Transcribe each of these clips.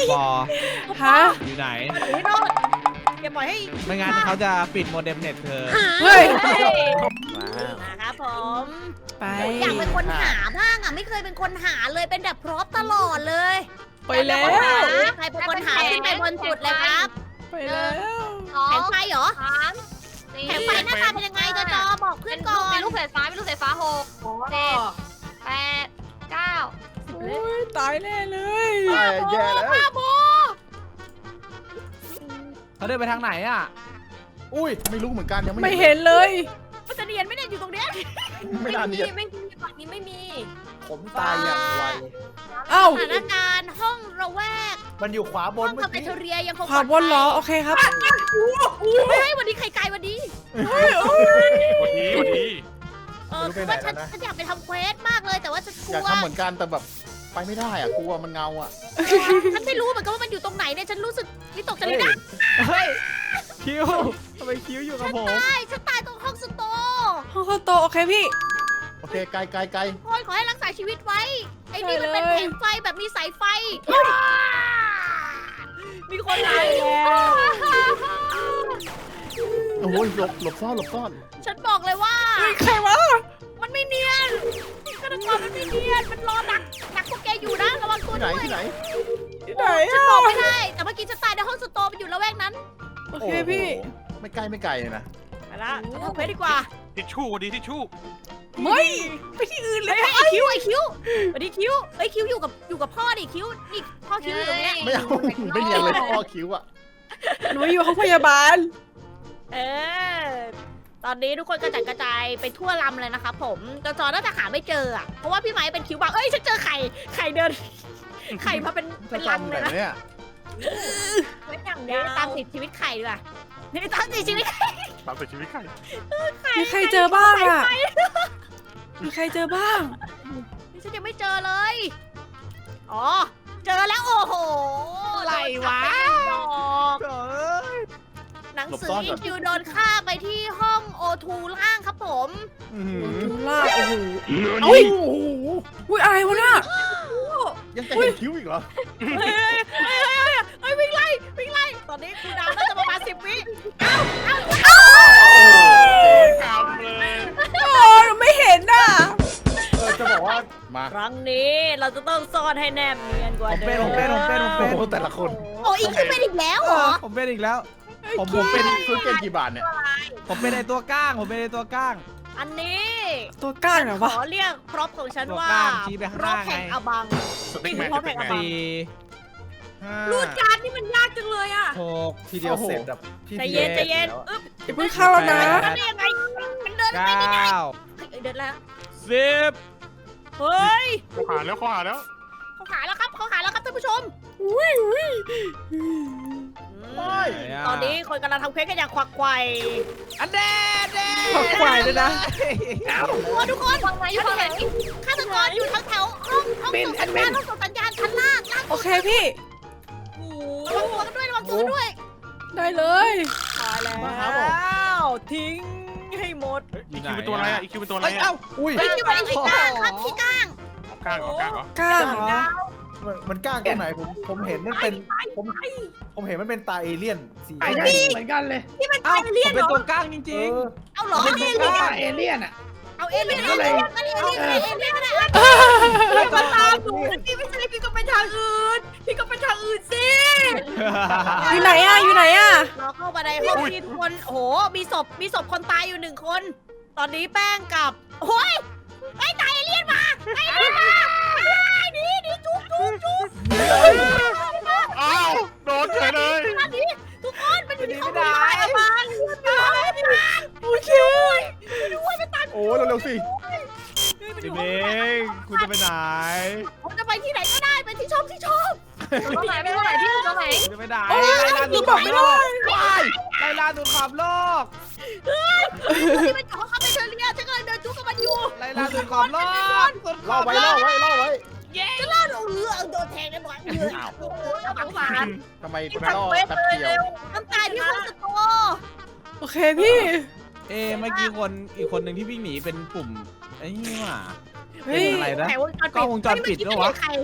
ปอฮะอยู่ไหนพี่โนดอย่าปล่อยให้ไม่งั้นเขาจะปิดโมเด็มเน็ตเธอเฮ้ยนะครับผมไปอยากเป็นคนหาบ้างอ่ะไม่เคยเป็นคนหาเลยเป็นแบบพร็อพตลอดเลยไปแล้วใครเป็นคนหาขึ้นไปบนสุดเลยครับไปแล้วแผงไฟเหรอ 3 แผงไฟหน้าตาเป็นยังไงจอบอกเพื่อนก่อนเป็นลูกสายฟ้าเป็นลูกสายฟ้า6 7 8 9 โอ้ยตายแน่เลยแย่แล้วบ้าโบเขาเดินไปทางไหนอ่ะอุ้ยไม่รู้เหมือนกันยังไม่ไม่เห็นเลยมันจะเนียนไหม่เนี่ยอยู่ตรงเนี้ยไม่นานเนี่ยไม่มีฝั่งนี้ไม่มีผมตายอย่างไวเอ้าสถานการณ์ห้องระแวกมันอยู่ขวาบห้นองเมื่คาอเฟ่กี้เทเรียยังคงขวาบนเหรอ โอเคครับเฮ้ยวันนี้ไข่ไก่วันนี้วันนี้คือว่าฉันอยากไปทำเควสมากเลยแต่ว่าฉันกลัอยากวทำเหมือนกันแต่แบบไปไม่ได้อ่ะกลัวมันเงาอ่ะฉันไม่รู้เหมือนกันว่ามันอยู่ตรงไหนเนี่ยฉันรู้สึกวิตกจริตนะเฮ้ย คิวทำไมคิวอยู่กับผมฉันตายตรงห้องสโตร์ห้องเข้าโตะโอเคพี่โอเคไกลไกลไกลคนขอให้รักษาชีวิตไว้ไอ้นี่มันเป็นได้เลยแผงไฟแบบมีสายไฟมีคนไหนโอ้ยหลบซ่อนหลบซ่อนฉันบอกเลยว่าเฮ้ยใครวะมันไม่เนียนฆาตกรมันไม่เนียนมันรอดักพวกแกอยู่นะระวังตัวที่ไหนด้วยที่ไหนที่ไหนฉันอะบอกไม่ได้แต่เมื่อกี้ฉันตายในห้องสโตร์มันอยู่ละแวกนั้นโอเคพี่โอ้โหไม่ใกล้ไม่ไกลเลยนะไปละทำเควสดีกว่าทิชชู่วันนี้ทิชชู่ไม่ไปที่อื่นเลยไอ้คิวสวัสดีคิวไอ้ยคิวอยู่กับพ่อดิคิวนี่พ่อคิวอยู่ตรงเนี้ยไม่เอาไม่เนียนเลยพ่อคิ้วอ่ะหนูอยู่ห้องพยาบาลเออตอนนี้ทุกคนกระจัดกระจายไปทั่วลำเลยนะคะผมจอน่าจะหาไม่เจออ่ะเพราะว่าพี่ไม้เป็นคิวบอกเอ้ยฉันเจอไข่เดิน ไข่มาเป็นลังเลยนะเนี่ยเว้นอย่างนี้ตามติดชีวิตไข่ดีกว่านี่ตามติดชีวิตไข่ตามติดชีวิตใครมีใครเจอบ้างอะมีใครเจอบ้างนี่ฉันยังไม่เจอเลยอ๋อเจอแล้วโอ้โหอะไรวะโดนจับไปหนึ่งดอกเอ้ยหนังสืออีคิวโดนฆ่าไปที่ห้องโอทูล่างครับผมอื้อหือดูลากโอ้โหโอ้ยโอ้โหอุ้ยอะไรวะน่ะยังจะเห็นคิ้วอีกเหรอเฮ้ยวิ่งไล่ตอนนี้คูลดาวน์น่าจะประมาณ10 วิกำเลยโอ้หนูไม่เห็นน่ะจะบอกว่ามาครั้งนี้เราจะต้องซ่อนให้แนบเนียนกว่าเดิมโอ้โหแต่ละคนโอ้อีคิวเป็นอีกแล้วเหรอผมเป็นอีกแล้ว ผมเป็เป็น นซื้อเกมกี่บาทเนี่ยผมเป็นไอตัวก้าง ผมเป็นไอตัวก้างอันนี้ตัวก้างเหรอขวะอเรียกพร็อพของฉันว่าตัวกล้ามชี้ไปข้างพร็อพหน้าไงแห่งอบังสติ๊กแมนสติ๊กแมนสี่ห้ารูดการ์ดนี่มันยากจังเลยอ่ะหกทีเดียวเสร็จแบบใจเย็นใจเย็นอึ๊บอย่าเพิ่งเข้าแล้วนะมันได้ยังไงมันเดินไปเก้ไม่ได้าเฮ้ยเดินแล้วสิบเฮ้ยเขาหาแล้วเขาหาแล้วเขาหาแล้วครับท่านผู้ชมอุ้ยตอนนี้คนกำลังทำเควสกันอย่างควักไขว่อันเดดเดขอบควายด้วยนะทุกคนฝั่งไหนอยู่ฝั่งไหนฆาตกรอยู่แถวๆห้องส่งสัญญาณห้องส่งสัญญาณชั้นล่างโอเคพี่ระวังตัวด้วยได้เลยตายแล้วทิ้งให้หมดอีคิวเป็นตัวอะไรอ่ะอีคิวเป็นตัวอะไรเอ้ยอ่ะเอ้าอุ้ยไม่ที่มันที่ก้างครับที่ก้างกล้างเหรอกล้างเหรอก้างเหรอมันกล้างตรงไหนผมเห็นมันเป็นผมเห็นมันเป็นตาเอเลี่ยนสีไอ้นี่เหมือนกันเลยที่มันเอ้าตายเลี่ผยนมเหเป็รนอตัวก้างจริงเอาเหรอเป็นตัวเอเลี่ยนอ่ะเอาเอเลี่ยนก็เลยก็ได้มาตามหนูพี่ไม่ใช่พี่ก็ไปทางอื่นสิอยู่ไหนอะอยู่ไหนอะเราเข้ามาในห้องที่ทุกคนโอ้โหมีศพคนตายอยู่1 คน ตอนนี้แป้งกับโอ้ยไอ้ตายเอเลี่ยนมานี่จุ๊บอ้าวโดนเฉยเลยทุกคนมันอยู่ที่ห้องนี้ไอ้บ้านโอเคโอ้เร็วๆสิๆพี่เมงคุณจะไปไหนผมจะไปที่ไหนก็ได้ไปที่ชอบตรงไหนพี่ตรงไหนพี่ตรงไหนคุณจะไปไหนโอ้ยไล่ล่าหนูสุดบขออก บไม่โลได้กไล่ล่าสุดขอบโลกที่เป็นของเขาเป็นเชอรี่ฉันกำลังเดินจุ๊กกับมันอยู่ไล่ล่าสุดขอบโลกสุดขล่ออบไว้โลล่อก ไว้ล่อไว้จะล่าโดนแทงได้หมดโอ้โหน่าสงสารทำไมล่อแป๊บเดียวน้ำตาที่ห้องสโตโอเคพี่เมื่อกี้อีกคนหนึ่งที่วิ่งหนีเป็นปุ่มไอ้นี่หว่าเฮ้ยอะไรนะแถววงจรปิดกล้องวงจรปิดไม่ด้วยวะใคร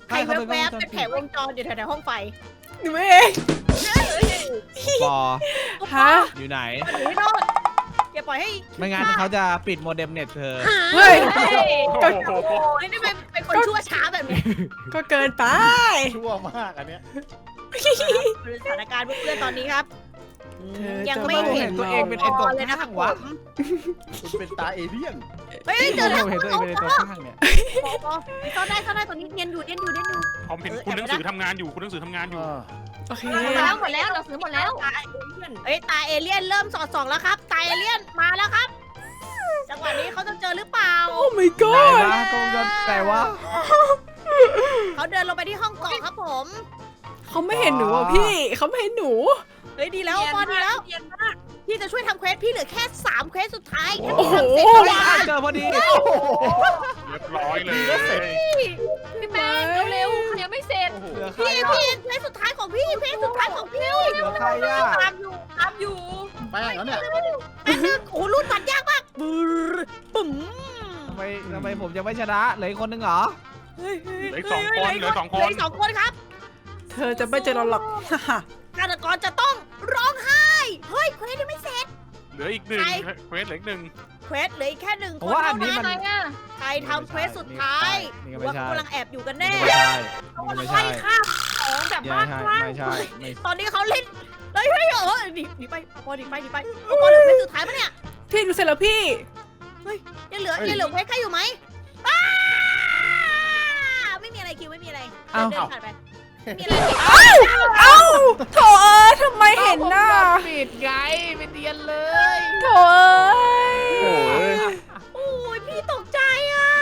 ใครแวบๆเป็นแผงวงจรอยู่แถวๆห้องไฟหนูเองปอฮะอยู่ไหนหนีโดนอย่าปล่อยให้ไม่งั้นเขาจะปิดโมเด็มเน็ตเธอเฮ้ยโอ้โหโอ้ยนี่เป็นคนชั่วช้าแบบนี้ก็เกินไปชั่วมากอันเนี้ยสถานการณ์เพื่อนๆตอนนี้ครับเธอยังจะไม่เห็นตัวเองเป็นไอ้ตัวเลยนะคข้ารับงผวะมคุณเป็นตาเอเลี่ยนเฮ้ยเจอแล้วเห็นตัวเองเป็นไอ้ตัวข้างเนี่ยซ่อนได้ตอนนี้เนียนอยู่ผมเห็นคุณหนังสือทำงานอยู่คุณหนังสือทำงานอยู่โอเคหมดแล้วเราซื้อหมดแล้วเอ้ยตาเอเลี่ยนเริ่มสอดส่องแล้วครับตาเอเลี่ยนมาแล้วครับ จังหวะนี้เขาจะเจอหรือเปล่าโอ้ my ไหน god วะกงจะแต่ว่าเขาเดินลงไปที่ห้องกล่องครับผมเขาไม่เห็นหนูอ่ะพี่เขาไม่เห็นหนูเฮ้ยดีแล้วปอนดีแล้วพี่จะช่วยทำเควสพี่เหลือแค่3เควสสุดท้ายโอ้โหเจอพอดีเรียบร้อยเลยพี่แป้งเร็วๆยังไม่เสร็จเหลือใครพี่อ่ะเควสสุดท้ายของพี่เควสสุดท้ายของพี่เหลือใครอ่ะตามอยู่แป้งแล้วเนี่ยแป๊บนึงโอ้โหรูดบัตรยากมากบึ้มปุ่มทำไมผมจะไม่ชนะเหลืออีกคนนึงเหรอเหลืออีก2 คนเหลือ2 คเหลือน อีก2 คนครับเธอจะไม่เจอเราหรอกฆาตกรจะต้องร้องไห้เฮ้ยเควสยังไม่เสร็จเหลืออีก 1เควสเหลืออีก 1 เควสเหลืออีกแค่1 เพคราะนว่าอัเท่านนี้นั้นมันใครทำเควสสุดท้ายหนี่รือก็ว่าไม่ใช่เขากำลังแอบอยู่กันนี่แน่ก็ไม่ใช่นี่ก็ไม่ใช่ไล่ฆ่าของแบบบ้าคลั่งไม่ใช่ไม่ตอนนี้เขาเล่นเฮ้ยหนีไปเอาปอหนีไปเอาปอเหลือเควสสุดท้ายปะเนี่ยพี่ดูเสร็จแล้วพี่ยังเหลือเควสใครอยู่ไหมอ้าไม่มีอะไรคิวไม่มีอะไรเอ้าเดินผ่านไปไม่มีอะไรคิวเอ้าโถทำไมเห็นน่ะปิดไงไม่เดียนเลยโถโอ้ยโอ้ยพี่ตกใจอ่ะ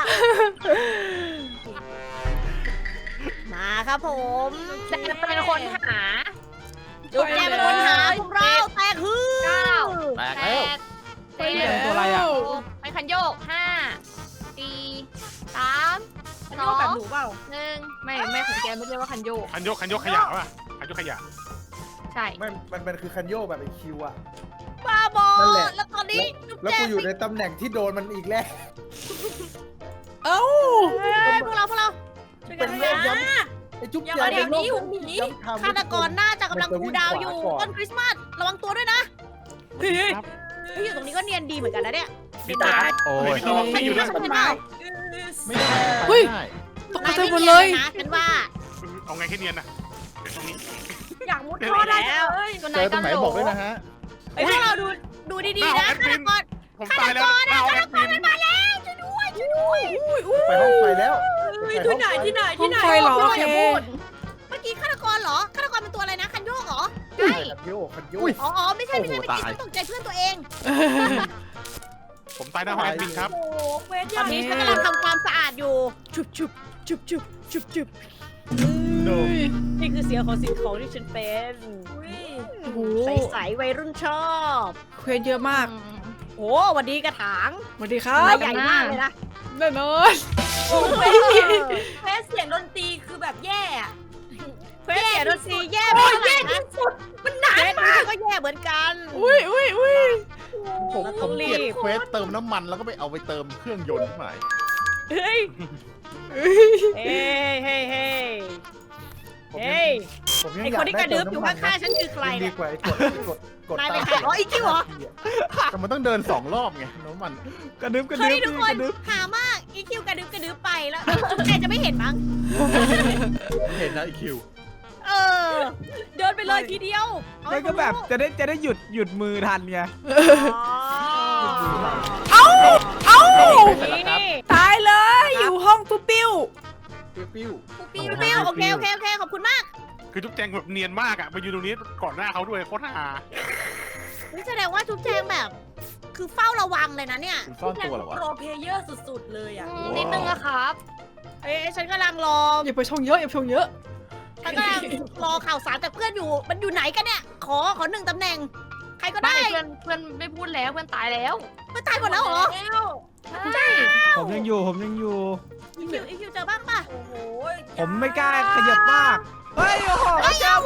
มาครับผมแต่เป็นคนหาจุดแจเป็นคนหาพวกเราแตกฮือแตกแปแล้วดเจ็ดตัวอะไรอ่ะไปคันโยก5 4 3 มันโยกแบบหนูเปล่า 1ไม่ของแกไม่เรียกว่าคันโยกคันยกขยะป่ะคันยกขยะใช่ไม่มันคือคันโยกแบบไอคิวอะบ้าบอนั่นแหละแล้วตอนนี้จุ๊บแล้วแจกูงอยู่ในตำแหน่งที่โดนมันอีกแล้วเอ้าพวกเราช่วยกันเป็นนะโรคย้ำไอจุ๊บอย่าแจมาง เดี๋ยวนี้เป็นโรคย้ำทำฆาตกรน่าจะกำลังคูลดาวน์อยู่มันจะวิ่งขวาก่อนต้นคริสต์มาสระวังตัวด้วยนะครับเฮ้ยอยู่ตรงนี้ก็เนียนดีเหมือนกันนะเนี่ยพี่ตาโอ้เฮ้ยยพี่ต้องไม่อยู่ด้วยใช่ไหมไม่ได้เฮ้ยไม่ได้ตกใจหมดเลยนะฉันว่าเอาไงแค่เนียนนะเดี๋ยวตรงนี้อยากมุดท่อได้แล้วตัวไหนเจอตรกังนไหนโหลบอกด้วยนะฮะเฮ้ยพวกเราดูดีๆนะฆาตกรผมตายแล้วเอาแอดมินมาแล้วช่วยด้วยไปห้องไฟแล้วที่ไหนห้องไฟเหรอโอเคเมื่อกี้ฆาตกรเหรอฆาตกรเป็นตัวอะไรนะคันโยกเหรอใช่คันโยกคันโยกอ๋อไม่ใช่เมื่อกี้ฉันตกใจเพื่อนตัวเองผมตายหน้าห้องแอดมินครับโอ้เวทตอนนี้ฉันกำลังทำความสะอาดอยู่ชุบนี่คือเสียงของสิ่งของที่ฉันเป็นโอ้โหใสๆวัยรุ่นชอบเควสเยอะมากโอ้วันดีกระถางสวัสดีครัใบบใหญ่มากเลยนะแน่นอนเฟสเสียงดนตรีคือแบบแย่เฟสเสียงดนตรีแย่ไปแย่ที่สุดมันหนามากก็แย่เหมือนกันอุ้ยผมเกลียดเควสเติมน้ำมันแล้วก็ไปเอาไปเติมเครื่องยนต์ที่ไหนเฮ้ยเฮ้ยผมยังไออยาคกนที่ได้กระดึ๊บเติมอยู่น้ำมันข้างๆฉันคือใครดีเนี่ยกว่าไอ้กดนายตาเป็นใครอ๋ออีคิวเหรอแต่มันต้องเดิน2 รอบไงน้ำมันกระดึ๊บกระเฮ้ดึ๊ยบทุกคกนระดึ๊บหามากอีคิวกระดึ๊บไปแล้วแกจะไม่เห็นมั้งเห็นนะไอคิวเออเดินไปเลยทีเดียวเอาแล้วก็แบบจะได้หยุดมือทันไงเอ้านี่ตายเลย อยู่ห้องปุ๊บปิ้วปิ้วปิ้วโอเคขอบคุณมากคือจุ๊บแจงแบบเนียนมากอ่ะไปยืนตรงนี้ก่อนหน้าเขาด้วยโคตรฮานี่แสดงว่าทุกแจงแบบ คือเฝ้าระวังเลยนะเนี่ยซ่อนตัวเหรอวะโปรเพเยอร์สุดๆเลยอ่ะนิดนึงอะครับเอ้ฉันกำลังรออย่าไปชงเยอะอย่าไปชงเยอะฉันกำลังรอข่าวสารจากเพื่อนอยู่มันอยู่ไหนกันเนี่ยขอ1ตำแหน่งใครก็ได้เพื่อนไม่พูดแล้วเพื่อนตายแล้วมันตายหมดแล้วเหรอใช่ผมยังอยู่อีคิวเจอบ้างป่ะผมไม่กล้าขยับมาก เฮ้ยโอ้โหเจ้าผม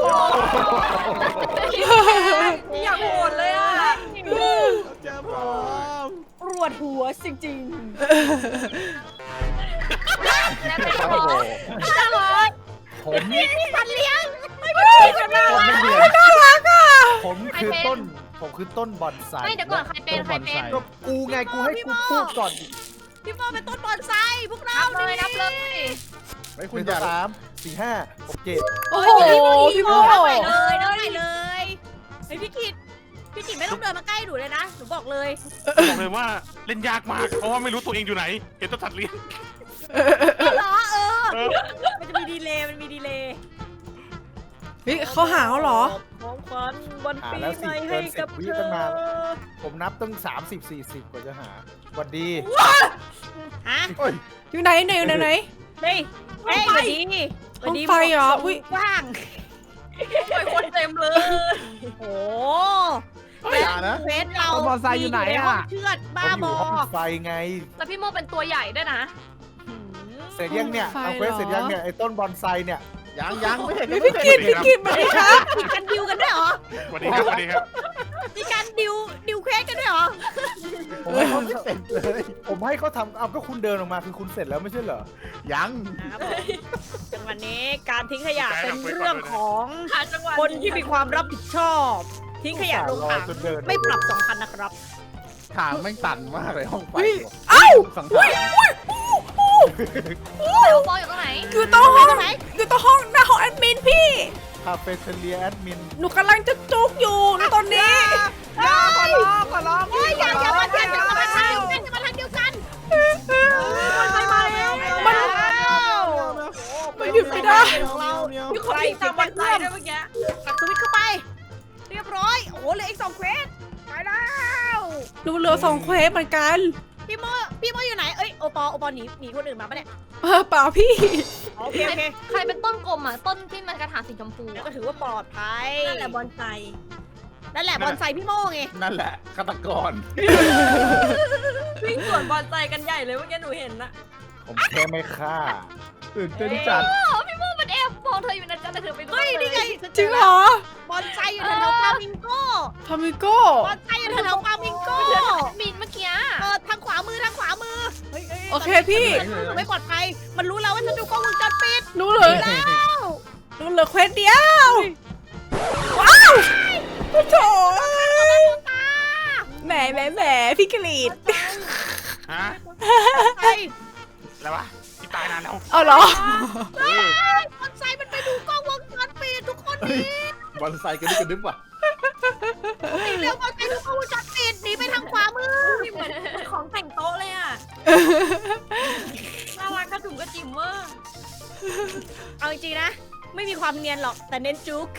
อยากโหดเลยอ่ะเจ้าผมปวดหัวจริงแล้วเป็นโอ้โหจังเลยผมพี่สันเลี้ยงผมไม่เรียนน่ารักอ่ะผมคือต้นบอนไซไม่เดี๋ยวก่อนใครเป็นใครเป็นก็กูไงกูให้กูพูดก่อนพี่โมเป็นต้นบอนไซพวกเรานับเลยนับเลยไม่คุณอย่า3 4 5 6 7 โอ้โหพี่โมเดินไปเลยเฮ้ยพี่กิตไม่ต้องเดินมาใกล้หนูเลยนะหนูบอกเลยบอกเลยว่าเล่นยากมาก เพราะว่าไม่รู้ตัวเองอยู่ไหน เห็นแตัวสัตว์เลี้ยงเหรอเออมันจะมีดีเลย์เฮ้ยเขาหาเขาเหรอของขวัญวันปีแล้วใหสิม่เกิให้นกับ 10 วิเธตั้งนานอผมนับตั้ง30 40 กว่าจะหาสวัสดีฮะโอ้ยอยู่ไหนไหนอยู่ไหนเฮ้ยสวัสดีห้องไฟเหรออุ๊ยว่างไปคนเต็มเลยโอ้อย่านะเฟสเราต้นบอนไซอยู่ไหนมีห้องอะเชือดผบ้ามอบ ยู่อห้องไฟไงแล้วพี่โมเป็นตัวใหญ่ด้วยนะเสร็จยังเนี่ยเอาเควสเสร็จยังเนี่ยไอ้ต้นบอนไซเนี่ยยังไม่เห็นพี่กิตมาดิครับมีการดิวกันด้วยเหรอสวัสดีครับสวัสดีครับมีการดิวเควสกันด้วยเหรอผมให้เขาเสร็จเลยผมให้เขาทำเอาก็คุณเดินออกมาคือคุณเสร็จแล้วไม่ใช่เหรอยังนะครับผมจังหวะนี้การทิ้งขยะเป็นเรื่องของหาจังหวะคนที่มีความรับผิดชอบ ทิ้งขยะลงถังจนเดินไม่ปรับ 2,000 นะครับทางแม่งตันมากเลยห้องไฟเอ้าสังสารแต่ว่าปออยู่ตรงไหนอยู่โต๊ะห้องอยู่โต๊ะห้องหน้าห้องแอดมินพี่คาเฟ่เทเลียแอดมินหนูกำลังจะจุกอยู่ตอนนี้ขอร้องเฮ้ยอย่ามาเทียบอย่ามาทางเดียวกันอย่ามาทางเดียวกันมันไปมาแล้วมันหยุดไม่ได้ของเรามีคนที่ตามวันไซด้วยเมื่อกี้ปักสวิตช์เข้าไป เรียบร้อย โอ้โหเหลืออีก2 เควสไปแล้วหนูเหลือ2 เควสเหมือนกันพี่โมอยู่ไหนเอ้ยโอปอหนีคนอื่นมาปะเนี่ยเปล่าพี่โอเคใครเป็นต้นกลมอ่ะต้นที่มันกระถางสีชมพูแล้วก็ถือว่าปลอดภัยนั่นแหละบอลไซนั่นแหละบอลไซพี่โมไงนั่นแหละฆาตกรวิ่งสวนบอลไซกันใหญ่เลยเมื่อกี้หนูเห็นนะผมแค่ไม่ฆ่าตื่นเต้นจัดพี่โมมันแอบมองเธออยู่นะจ๊ะแต่เธอไปเฮ้ยนี่ไงจริงเหรอบอลไซอยู่แถวๆฟลามิงโก้ทามิโก้บอลไซอยู่แถวๆฟลามิงโก้มินเมื่อกี้ทางขวามือฮ้ยโอเคพี่หนูไม่ปลอดภัยมันรู้แล้วว่าฉันดูกล้องวงจรปิดหนูเหลือเควสเดียวว้าวโอ้โถแหมพี่กรีดฮะไอ้อะไรวะที่ตายนานแล้วเอาเหรอบอลไซมันไปดูกล้องวงจรปิดทุกคนหนีบอลไซกันดึบว่ะเร็วบอลไซดูกล้องวงจรปิดหนีไปทางขวามือเหมือนของแต่งโต๊ะเลยอ่ะน่ารักกระถุงกระจิ๋มเวอร์เอาจริงๆนะ ไม่มีความเนียนหรอกแต่เน้นจุก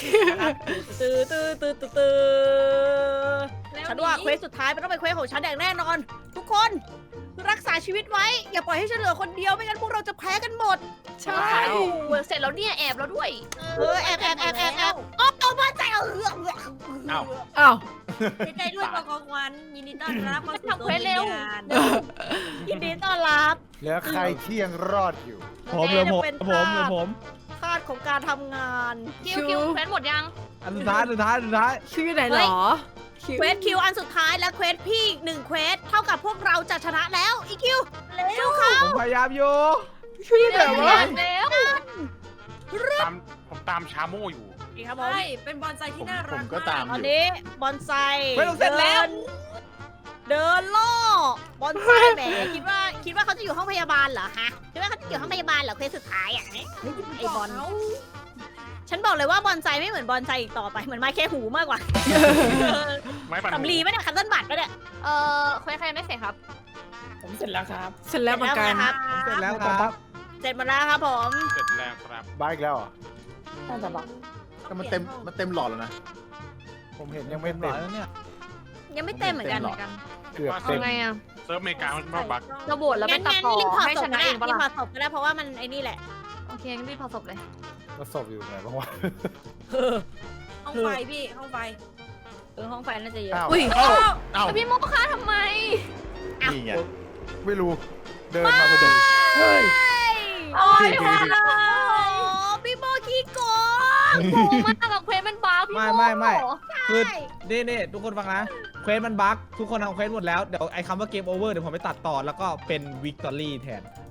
ฉันว่าเควสสุดท้ายมันต้องเป็นเควสของฉันอย่างแน่นอน ทุกคนรักษาชีวิตไว้ อย่าปล่อยให้ฉันเหลือคนเดียวไม่งั้นพวกเราจะแพ้กันหมดใช่เสร็จแล้วเนี่ยแอบแล้วด้วยแอบอ๋อเอามาใจเอาอ้าวอ้าวใจด้วยกองควันยินดีต้อนรับมาทำเควสเร็วยินดีต้อนรับเหลือใครที่ยังรอดอยู่ผมเหลือผมคาดของการทำงานคิวเควสหมดยังอันสุดท้ายคิวอยู่ไหนเหรอเควสคิวอันสุดท้ายและเควสพี่1เควสเท่ากับพวกเราจะชนะแล้วอีคิวเร็วเขาผมพยายามอยู่คิวอยู่ไหนวะแล้วผมตามชาโม่อยู่นี่ครับผมใช่เป็นบอลไซที่น่ารักผมก็ตามตอนนี้บอนไซไม่ต้องเสร็จแล้วเดินล่อบอนไซแหมคิดว่าเขาจะอยู่ห้องพยาบาลเหรอฮะคิดว่าเขาจะอยู่ห้องพยาบาลเหรอเควสสุดท้ายอ่ะไอบอลฉันบอกเลยว่าบอนไซไม่เหมือนบอนไซอีกต่อไปเหมือนไม้แค่หูมากกว่าไม้ปั่นสำลีไหมเนี่ยคันต้นบัตรไหมเนี่ยเควสใครไม่เสร็จครับผมเสร็จแล้วครับเสร็จแล้วเหมือนกันครับเสร็จแล้วครับเสร็จหมดแล้วครับผมเสร็จแล้วครับบ้าอีกแล้วเหรอน่าจะบอกแต่มันเต็มหลอดแล้วนะ ผมเห็นยังไม่หล่เต็อมแล้วเนี่ยยังไม่เต็มเหมือนกันเกือบเอาเต็มไงอ่ะเซิร์ฟอเมริกามันมาบักเราโบดแล้วไปตัดต่อรีบถอดให้ศชพนะก็ได้เองปะรีบถอล่ะดศพก็ได้เพราะว่ามันไอ้นี่แหละโอเคงั้นรีบพอศพเลยก็ศพอยู่ไหนบ้างวะห้องไฟพี่ห้องไฟห้องไฟน่าจะเยอะอ้าวอุ้ยอ้าวแล้วพี่โมค้าทำไมนี่ไงไม่รู้ เดินมาพอดีเฮ้ยโอ้ยโอ้พี่โมขี้โกงโหมากกับเควสมันบ้าพี่โมไม่คือนี่ทุกคนฟังนะเควสมันบั๊กทุกคนทำเควสหมดแล้วเดี๋ยวไอ้คำว่าเกมโอเวอร์เดี๋ยวผมไปตัดต่อแล้วก็เป็นวิกตอรี่แทน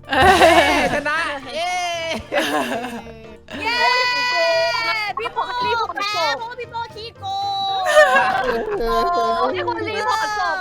ชนะเย้เย้พี่โมรีพอร์ตแพ้เพราะว่าพี่โมขี้โกงโอ้ที่คนรีพอร์ตศพ